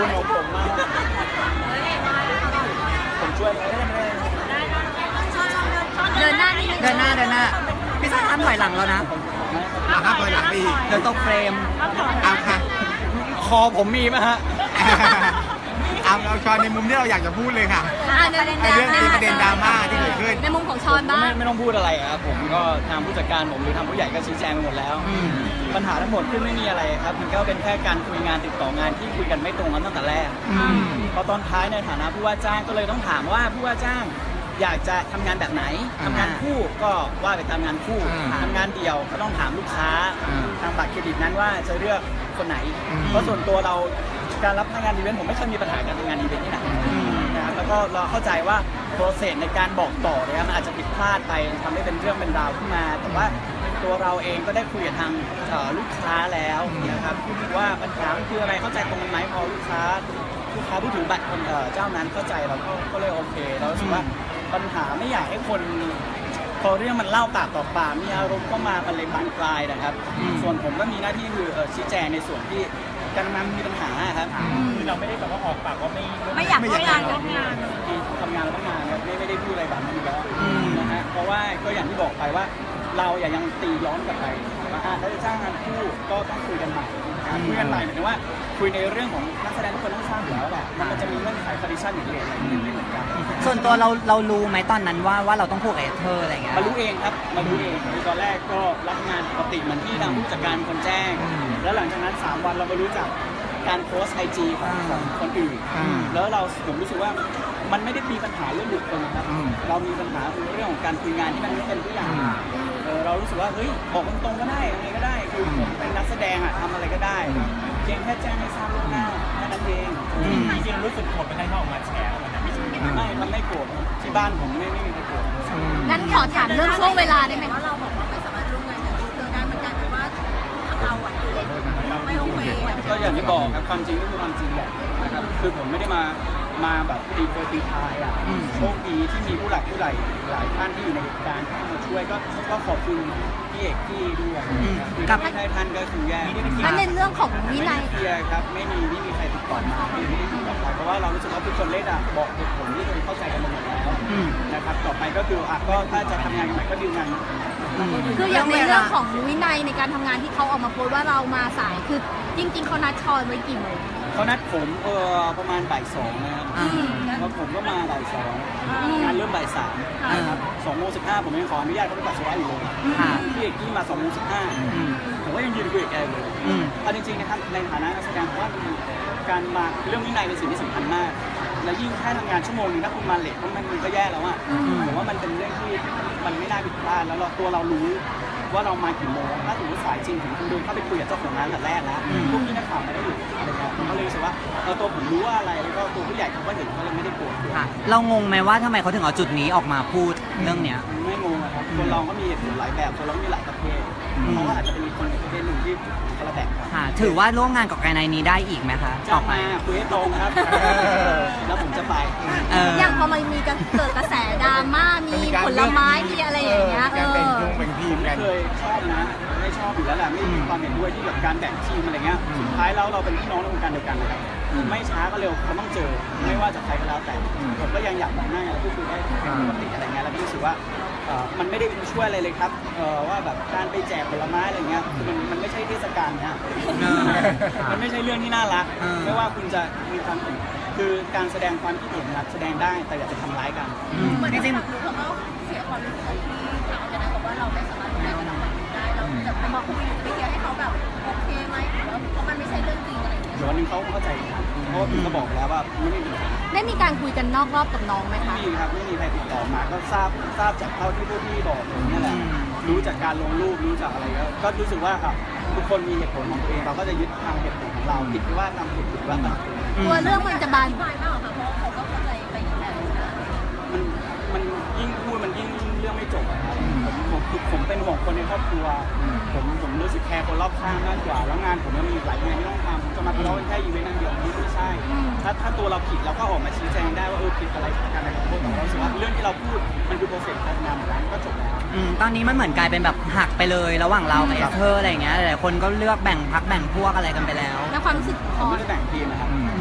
คุณของผมมากผมช่วยเดินหน้านี่เดินหน้าพี่ซ่าห้ามถอยหลังแล้วนะห้ามถอยหลังไปอีกเดี๋ยวตกเฟรมเอาค่ะคอผมมีไหมฮะเอาชอนในมุมที่เราอยากจะพูดเลยค่ะในเรื่องที่ประเด็นดราม่าที่เกิดขึ้นในมุมของชอนบ้างไม่ต้องพูดอะไรครับผมก็ทางผู้จัดการผมหรือทางผู้ใหญ่ก็ชี้แจงไปหมดแล้วปัญหาทั้งหมดขึ้นไม่มีอะไรครับมันก็เป็นแค่การคุยงานติดต่องานที่คุยกันไม่ตรงกันตั้งแต่แรกพอตอนท้ายในฐานะผู้ว่าจ้างก็เลยต้องถามว่าผู้ว่าจ้างอยากจะทำงานแบบไหนทำงานคู่ก็ว่าไปตามงานคู่ทำงานเดี่ยวก็ต้องถามลูกค้าทางบัตรเครดิตนั้นว่าจะเลือกคนไหนเพราะส่วนตัวเราการรับงานอีเวนต์ผมไม่เคยมีปัญหาการทำงานอีเวนต์ที่ไหนนะครับแล้วก็เราเข้าใจว่าโปรเซสในการบอกต่อเนี่ยมันอาจจะผิดพลาดไปทำให้เป็นเรื่องเป็นราวขึ้นมาแต่ว่าตัวเราเองก็ได้คุยกับทางลูกค้าแล้วนะครับว่าปัญหาคืออะไรเข้าใจตรงกันไหมพอลูกค้าผู้ถือบัตรคนเจ้านั้นเข้าใจเราก็เลยโอเคเรารู้สึกว่าปัญหาไม่อยากให้คนพอเรื่องมันเล่าปากต่อปากมีอารมณ์เข้ามามันเลยบานปลายนะครับส่วนผมก็มีหน้าที่คือชี้แจงในส่วนที่การทำงานมีปัญหาครับคือเราไม่ได้แบบว่าออกปากว่าไม่อยากทำงานทำงานแล้วต้องงานไม่ได้พูดอะไรแบบนั้นอยู่แล้วนะฮะเพราะว่าก็อย่างที่บอกไปว่าเรายังตีย้อนกลับไปว่าถ้าจะจ้างงานคู่ก็ต้องคุยกันใหม่คุยกันใหม่หมายถึงว่าคุยในเรื่องของนักแสดงทุกคนต้องทราบอยู่แล้วแหละมันจะมีเงื่อนไขคอนดิชั่นอย่างเดียวไม่เหมือนกันส่วนตัวเรารู้ไหมตอนนั้นว่าเราต้องพูดกับเธออะไรเงี้ยมารู้เองครับมารู้เองตอนแรกก็รับงานปกติเหมือนที่ทางผู้จัดการคนแจ้งแล้วหลังจากนั้น3 วันเรามารู้จักการโพสต์ IG ของคนอื่นแล้วผมรู้สึกว่ามันไม่ได้มีปัญหาเรื่องบุคคลนะครับเรามีปัญหาเรื่องของการคุยงานที่มันไม่เป็นทุกอย่างเรารู้สึกว่าเฮ้ยบอกตรงๆก็ได้อะไรก็ได้คือผมเป็นนักแสดงทำอะไรก็ได้เพียงแค่แจ้งให้ทราบล่วงหน้าแค่นั้นเองจริงๆรู้สึกโกรธไปให้เขาออกมาแฉไม่มันไม่โกรธที่บ้านผมไม่มีใครโกรธงั้นขอถามเรื่องช่วงเวลาได้ไหมเราบอกว่าไม่สามารถร่วมงานกับเธอได้มันกลายเป็นว่าเราไม่โอเคก็อย่างที่บอกครับความจริงก็คือความจริงแหละนะครับคือผมไม่ได้มาแบบตีทายโชคดีที่มีผู้หลักผู้ใหญ่หลายท่านที่อยู่ในเหตุการณ์ที่มาช่วยก็ขอบคุณพี่เอกที่ด้วยกับท่านก็คือแย่มันในเรื่องของวินัยเคลียร์ครับไม่มีใครติดต่อมาไม่ได้ติดต่อไปเพราะว่าเรารู้สึกว่าทุกคนเล่นบอกเหตุผลที่คนเข้าใจกันหมดแล้วนะครับต่อไปก็คือก็ถ้าจะทำงานกันใหม่ก็ดีลงานคืออย่างในเรื่องของวินัยในการทำงานที่เขาออกมาโพสต์ว่าเรามาสายคือจริงๆเขานัดชอนไว้กี่โมงเขานัดผมประมาณบ่าย 2นะครับแล้วผมก็มาบ่าย 2งานเริ่มบ่าย 3นะครับ2:15ผมยังขออนุญาตเขาไปปัสสาวะอยู่เลยพี่เอกกี้มา2:15ผมก็ยังยืนคุยกับแกเลยเอาจริงๆนะครับในฐานะนักแสดงว่าการมาเรื่องวินัยเป็นสิ่งที่สำคัญมากและยิ่งแค่ทำงานชั่วโมงนึงถ้าคุณมาเลทมันก็แย่แล้วผมว่ามันเป็นเรื่องที่มันไม่น่าผิดพลาดแล้วตัวเรารู้ว่าเรามากี่โมงถ้าสมมติสายจริงถึงคุณเดินเข้าไปคุยกับเจ้าของร้านแต่แรกแล้วพวกที่นักข่าวไม่ได้อยู่อะไรเงี้ยผมก็เลยรู้สึกว่าตัวผมรู้ว่าอะไรแล้วก็ตัวผู้ใหญ่เขาก็เห็นเขาเลยไม่ได้โกรธเรางงไหมว่าทำไมเขาถึงเอาจุดนี้ออกมาพูดเรื่องเนี้ยไม่งงครับคนเราก็มีเหตุผลหลายแบบคนเรามีหลายประเภทเขาก็อาจจะเป็นคนประเภทหนึ่งที่คนละแบบกันถือว่าร่วมงานกับการในนี้ได้อีกไหมคะต่อไปคุยให้ตรงครับแล้วผมจะไปอย่างพอมันมีเกิดกระแสดราม่ามีผลไม้มีอะไรอย่างเงี้ยเป็นทีมกันเคยชอบนะไม่ชอบอยู่แล้วแหละไม่มีความเห็นด้วยที่แบบการแบ่งทีมอะไรเงี้ยสุดท้ายแล้วเราเป็นพี่น้องในวงการเดียวกันนะครับไม่ช้าก็เร็วเขาต้องเจอไม่ว่าจะใครก็แล้วแต่ผมก็ยังอยากมองหน้าแล้วพูดคุยได้ปกติอะไรเงี้ยแล้วก็รู้สึกว่ามันไม่ได้ช่วยอะไรเลยครับว่าแบบการไปแจกผลไม้อะไรเงี้ยคือมันไม่ใช่เทศกาลนะมันไม่ใช่เรื่องที่น่ารักไม่ว่าคุณจะมีความเห็นคือการแสดงความคิดเห็นนะครับแสดงได้แต่อย่าไปทำร้ายกันจริงๆเขาก็เสียความรู้สึกที่ถามกันนะบอกว่าเราไม่สามารถได้กับเราได้เราจะไปบอกไปเคลียร์ให้เขาแบบโอเคไหมเพราะมันไม่ใช่เรื่องจริงอะไรอย่างเงี้ยเดี๋ยววันนึงเขาเข้าใจครับเพราะว่าผมก็บอกแล้วว่าไม่มีได้มีการคุยกันนอกรอบกับน้องไหมคะไม่มีครับไม่มีใครติดต่อมาก็ทราบจากเท่าที่พวกพี่บอกผมนี่แหละรู้จากการลงรูปรู้จากอะไรก็รู้สึกว่าทุกคนมีเหตุผลของตัวเองเราก็จะยึดทางเหตุผลของเราผิดว่าทำผิดว่าทำตัวเรื่องมันจะบานปลายมากค่ะเพราะเขาก็เข้าใจไปอีกแบบมันยิ่งพูดมันยิ่งเรื่องไม่จบครับผมเป็นห่วงคนในครอบครัวผมรู้สึกแคร์คนรอบข้างมากกว่าแล้วงานผมยังมีหลายงานที่ต้องทำจะมาทะเลาะกันแค่อีเวนต์นั่นเดียวนี่ไม่ใช่ถ้าตัวเราผิดเราก็ออกมาชี้แจงได้ว่าผิดอะไรกันอะไรของพวกเราสึกว่าเรื่องที่เราพูดมันคือโปรเซสการทำงานของเราก็จบแล้วตอนนี้มันเหมือนกลายเป็นแบบหักไปเลยระหว่างเรากับเธออะไรอย่างเงี้ยหลายคนก็เลือกแบ่งพักแบ่งพวกอะไรกันไปแล้วในความรู้สึกผมไม่ได้แบ่งทีมนะครับ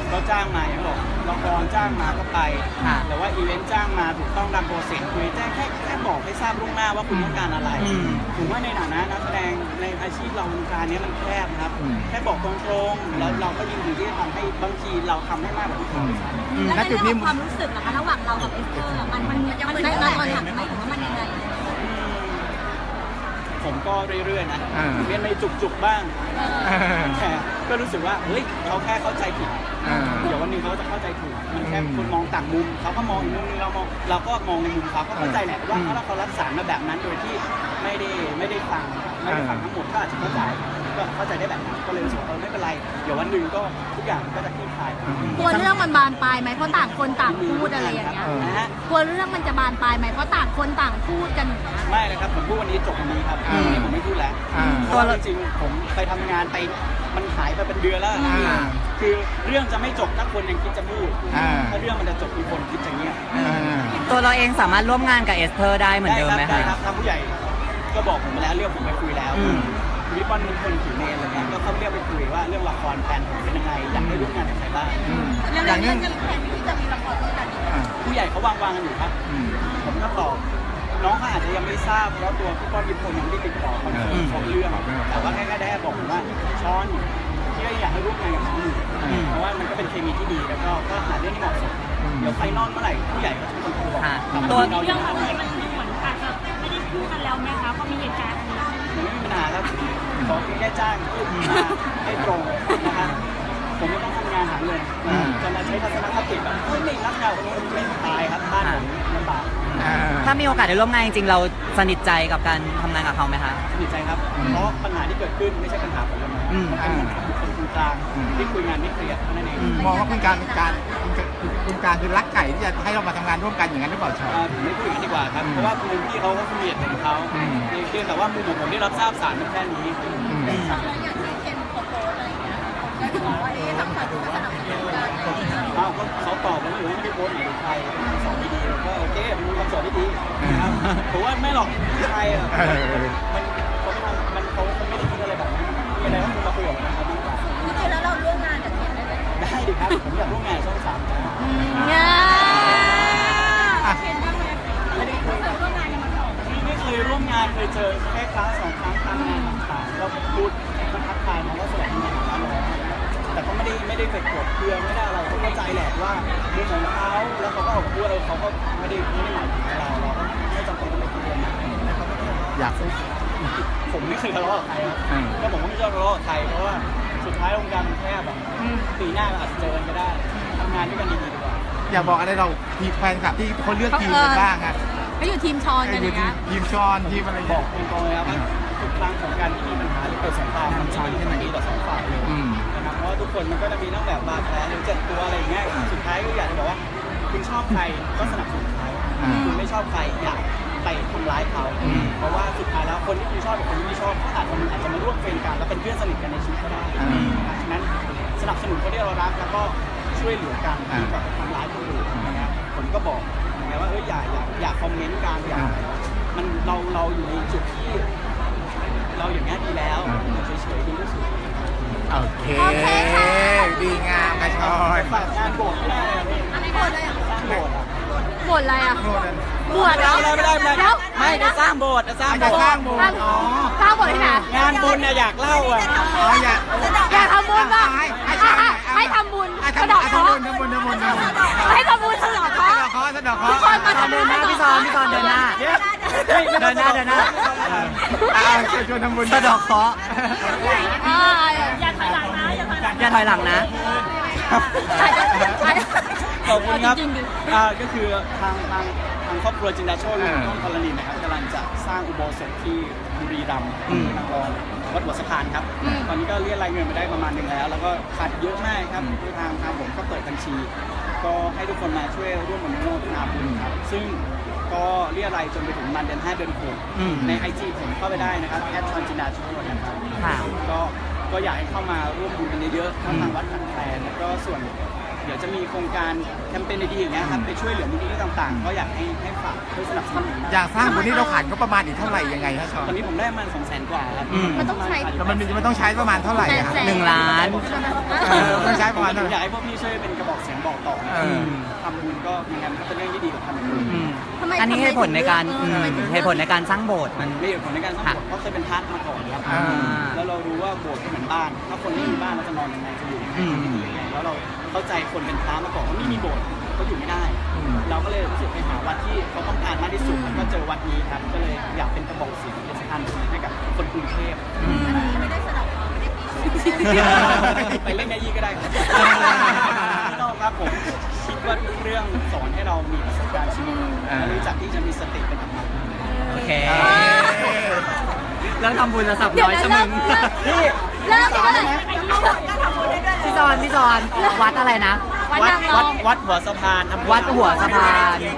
ก็จ้างมาอย่างที่บอกละครจ้างมาก็ไปค่ะแต่ว่าอีเวนต์จ้างมาถูกต้องตามโปรเซสคุยแจ้งแค่บอกให้ทราบล่วงหน้าว่าคุณต้องการอะไรผมว่าในฐานะนักแสดงในอาชีพเราวงการนี้มันแคบครับแค่บอกตรงๆแล้วเราก็ยินดีที่จะทำให้บางทีเราทำให้มากกว่าที่เขาณจุดนี้ความรู้สึกนะคะระหว่างเรากับเอสเตอร์มันได้ตอนหลังไหมหรือว่ามันยังไงผมก็เรื่อยๆนะเรียนในจุกๆบ้างแต่ก็รู้สึกว่าเฮ้ยเขาแค่เข้าใจผิดเดี๋ยววันหนึงเขาจะเข้าใจถูกมันแค่คนมองต่างมุมเขาก็มองอีกมุมนึงเราก็มองในมุมเขาก็เข้าใจแหละว่าเขารับสารมาแบบนั้นโดยที่ไม่ได้ฟังทั้งหมดก็อาจจะเข้าใจได้แบบนั้นก็เลยรู้สึกว่าไม่เป็นไรเดี๋ยววันหนึ่งก็ทุกอย่างก็จะคลี่คลายกลัวเรื่องมันบานปลายไหมเพราะต่างคนต่างพูดอะไรอย่างเงี้ยนะฮะกลัวเรื่องมันจะบานปลายไหมเพราะต่างคนต่างพูดกันอย่างเงี้ยไม่เลยครับผมพูดวันนี้จบวันนี้ครับวันนี้ผมไม่พูดแล้วเพราะว่าจริงๆผมไปทำงานไปมันหายไปเป็นเดือนแล้วคือเรื่องจะไม่จบถ้าคนยังคิดจะพูดถ้าเรื่องมันจะจบมีคนคิดจะเงียบตัวเราเองสามารถร่วมงานกับเอสเธอร์ได้เหมือนเดิมไหมได้คะครับทางผู้ใหญ่ก็บอกผมไปแล้วเรียกผมไปคุยแล้ววิปปอนเป็นคนถือเมนอะไรเงี้ยก็เขาเรียกไปคุยว่าเรื่องละครแฟนผมเป็นยังไงอยากให้ร่วมงานกับใครบ้างอย่างนี้จะมีแผนที่จะมีละครด้วยกันผู้ใหญ่เขาวางกันอยู่ครับผมก็ตอบน้องเขาอาจจะยังไม่ทราบเพราะตัวพี่ป้อนยิปคนยังไม่ได้ติดต่อเขาเขาเรื่องแต่ว่าแค่ได้บอกผมว่าช้อนที่อยากให้ร่วมงานกับเขาอยู่เพราะว่ามันก็เป็นเคมีที่ดีแล้วก็หาเรื่องที่เหมาะสมเดี๋ยวไฟนอลเมื่อไหร่ผู้ใหญ่ก็จะเป็นคนบอกตัวเรายังทำมันเหมือนอาจจะไม่ได้พูดกันแล้วไหมคะเพราะมีเหตุการณ์อันนี้ไม่มีปัญหาครับขอแค่จ้างพูดมาให้ตรงนะครับผมไม่ต้องทำงานหาเงินจะมาใช้ทัศนคติแบบไม่รักเราคนนี้ไม่ตายครับบ้านผมลำบากถ้ามีโอกาสได้ร่วมงานจริงๆเราสนิทใจกับการทำงานกับเขาไหมคะสนิทใจครับเพราะปัญหาที่เกิดขึ้นไม่ใช่ปัญหาผมคนเดียวมันเป็นปัญหาบุคคลกลางที่คุยงานไม่เคลียร์เท่านั้นเองมองว่าคุณการคือรักไก่ที่จะให้เรามาทำงานร่วมกันอย่างนั้นหรือเปล่าชอผมไม่พูดอย่างนั้นดีกว่าครับเพราะว่าคุณพี่เขาก็คุยเหตุของเขาเพียงแต่ว่ามุมของผมที่รับทราบสารมันแค่นี้แล้วอย่างที่เคนโพสอะไรอย่างเงี้ยก็จะบอกว่าทางฝ่ายนู้นก็สนับสนุนกันเขาตอบแล้วไม่ได้โพสต์ไหนใครสอนดีๆก็โอเคมีคำสอนที่ดีนะครับผมว่าไม่หรอกใครอ่ะมันเขาไม่ได้คิดอะไรแบบนั้นมีอะไรก็คุณมาคุยกับมันครับดีกว่าจริงๆแล้วเราร่วมงานกับเคนได้ไหมได้ดิครับผมอยากร่วมงานช่องสามนะเนี่ยเคนบ้างไหมไม่ได้คุยกับร่วมงานกันมาก่อนไม่เคยร่วมงานเคยเจอแค่ครั้งสองครั้งตามงานต่างๆก็พูดทักทายน้องว่าสวัสดีในฐานะน้องแต่ก็ไม่ได้ไปกดเครื่องไม่ได้อะไรเขาเข้าใจแหละว่าเรื่องของเขาแล้วเขาก็ออกมาพูดเขาก็ไม่ได้หมายถึงเราก็ไม่จำเป็นต้องไปคุยกันนะอยากผมไม่เคยทะเลาะกับใครครับก็ผมก็ไม่ชอบทะเลาะกับใครเพราะว่าสุดท้ายวงการมันแคบแบบปีหน้าเราอาจจะเจอกันก็ได้ทำงานด้วยกันดีๆดีกว่าอยากบอกอะไรเราทีมแฟนคลับที่คนเลือกทีมกันบ้างฮะก็อยู่ทีมชอนกันนะทีมชอนทีมอะไรบอกตรงๆเลยครับว่าทุกครั้งของการที่มีปัญหาหรือเกิดสงครามมันไม่ได้ดีต่อสองฝ่ายเลยนะครับเพราะว่าทุกคนมันก็จะมีทั้งแบบบาดแผลหรือเจ็บตัวอะไรอย่างเงี้ยสุดท้ายก็อยากจะบอกว่าคุณชอบใครก็สนับสนุนเขาคุณไม่ชอบใครอย่าไปทำร้ายเขาเพราะว่าสุดท้ายแล้วคนที่คุณชอบกับคนที่ไม่ชอบเขาอาจจะมาร่วมเฟรนกันแล้วเป็นเพื่อนสนิทกันในชีวิตก็ได้ฉะนั้นสนับสนุนคนที่เรารักแล้วก็ช่วยเหลือกันดีกว่าทำร้ายคนอื่นนะครับผมก็บอกนะว่าอย่าคอมเมนต์กันอย่ามันเราอยู่ในจุดที่เราอย่างนี้ดีแล้วเฉยๆดีที่สุดโอเคดีงามกระชอนฝากงานโบสถ์ไม่ได้เลยอันนี้โกรธเลยอ่ะสร้างโบสถ์อ่ะบวชอะไรอ่ะโน่นบวชแล้วไม่ได้ไม่จะสร้างโบสถ์จะสร้างจะโบสสร้างถ์โบสสร้างถ์อ๋อสร้างบวชที่ไหนงานบุญเนี่ยอยากเล่าอ่ะอ๋ออยากอยากทำบุญป่ะให้ทำบุญสะเดอกเคราะห์ทำบุญให้ทำบุญสะเดอกเคราะห์สะดอกทุกคนมาเดินหน้าพี่ซอนเดินหน้า เดินหน้าชวนทำบุญสะดอกเคราะห์อย่าถอยหลังนะอย่าถอยหลังนะขอบคุณครับก็คือทางครอบครัวจินดาโชติต้นกรณีนะครับกำลังจะสร้างอุโบสถที่บุรีรัมย์นครวัดหัวสะพานครับตอนนี้ก็เรียกรายเงินมาได้ประมาณนึงแล้วแล้วก็ขาดเยอะมากครับทางผมก็เปิดบัญชี ก็ให้ทุกคนมาช่วยร่วมอนุโมทนาบุญครับซึ่งก็เรียกรายจนไปถึงมันเดือน5เดือน6ใน IG ผมเข้าไปได้นะครับชอนจินดาโชตินะครับก็อยากให้เข้ามาร่วมบุญกันเยอะๆทั้งทางวัดขันแฟนแล้วก็ส่วนเดี๋ยวจะมีโครงการแคมเปญดีๆอย่างเงี้ยครับไปช่วยเหลือมูลนิธิต่างๆ ก็อยากให้ฝากช่วยสนับสนุนอยากสร้างคนที่เราขาดก็ประมาณอีกเท่าไหร่ยังไงฮะชอนตอนนี้ผมได้มา200,000 กว่าครับมันต้องใช้แล้วมันต้องใช้ประมาณเท่าไหร่อะครับ 1 ล้านต้องใช้ประมาณเท่าไหอยาร่กให้พวกพี่ช่วยเป็นกระบอกเสียงบอกต่อนะ ทำบุญก็ยังไงมันก็เป็นเรื่องที่ดีกว่าทำบุญทำไมอันนี้เหตุผลในการทำไมถึงเหตุผลในการสร้างโบสถ์มันมีเหตุผลในการสร้างโบสถ์เพราะเคยเป็นพระมาก่อนครับอ่าแล้วเรารู้ว่าโบสถ์ก็เหมือนบ้าน ถ้าคนไม่มีบ้านเราจะนอนยังไงจะอยู่ยังไงอืมยังไงแล้วเราเข้าใจคนเป็นพระมาก่อนว่าไม่มีโบสถ์ก็อยู่ไม่ได้ เราก็เลยรู้สึกไปหาวัดที่เขาต้องการมากที่สุดแล้วก็เจอวัดนี้ครับก็เลยอยากเป็นกระบอกเสียงเป็นสะพานบุญให้กับคนกรุงเทพไม่ได้สนับสนุนไม่ได้ปีไปเล่นไงยี่ก็ได้ครับไม่ต้องครับผมคิดว่าทุกเรื่องสอนให้เรามีประสบการณ์ชีวิตและรู้จักที่จะมีสติเป็นธรรมะโอเคเรื่องทำบุญระสับเดี๋ยวร้อยนะชะมึงเลิกเลยพี่จอนวัดอะไรนะวัดนางรองวัดหัวสะพานอำเภอวัดหัวสะพาน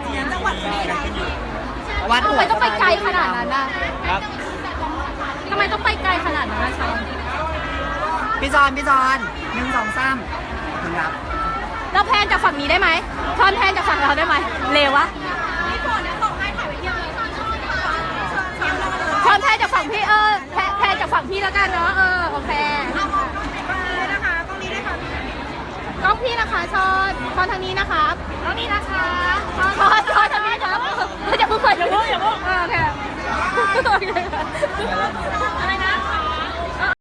วัดทำหัไมวต้องไปไกลขนาดนั้นน่ะครับทำไมต้องไปไกลขนาดนั้นนะชอนพี่จอน1 2 3ครับเราแพนจากฝั่งนี้ได้ไหมชอนแพนจากฝั่งเราได้ไหมเลวะชอนแพนจากฝั่งพี่แพนจากฝั่งพี่แล้วกันเนาะโอเคกล้องพี่นะคะชอนทางนี้นะครับกล้องนี้นะคะชอนทางนี้ครับอย่าเพิ่งเปิดอย่าเพิ่งโอเค